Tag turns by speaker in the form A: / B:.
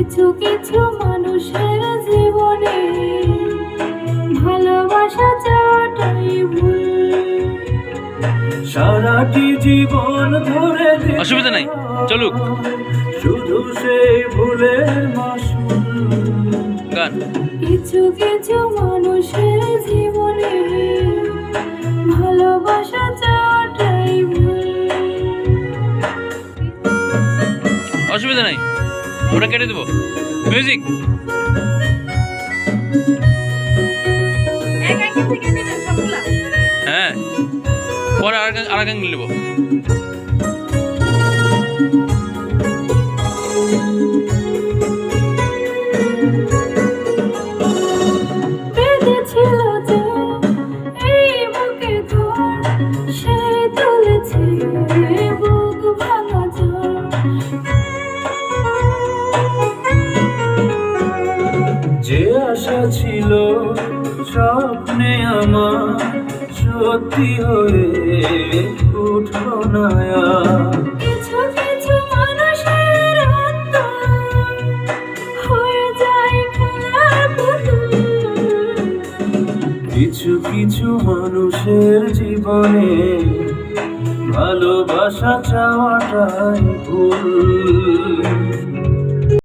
A: কিছু কিছু মানুষের জীবনে ভালোবাসা চাওয়াটাই ভুল।
B: সারাটি জীবন ধরে
C: অসুবিধা নাই, চলুক
B: শুধু সেই ভুলের মাসুল।
C: গান।
A: কিছু কিছু মানুষের জীবনে ভালোবাসা চাওয়াটাই ভুল।
C: অসুবিধা নাই, ওটা কেটে দেবো। মিউজিক। হ্যাঁ, পরে আর গান নেবো।
A: বেঁধেছিল যে এই বুকে ঘর, সেই তুলেছে বুক ভাঙা ঝড়।
B: যে আশা ছিল স্বপ্নে আমার সত্যি হয়ে উঠল না আর।
A: কিছু কিছু মানুষের অন্তর হয়ে যায় খেলার পুতুল।
B: কিছু কিছু মানুষের জীবনে ভালোবাসা চাওয়াটাই ভুল।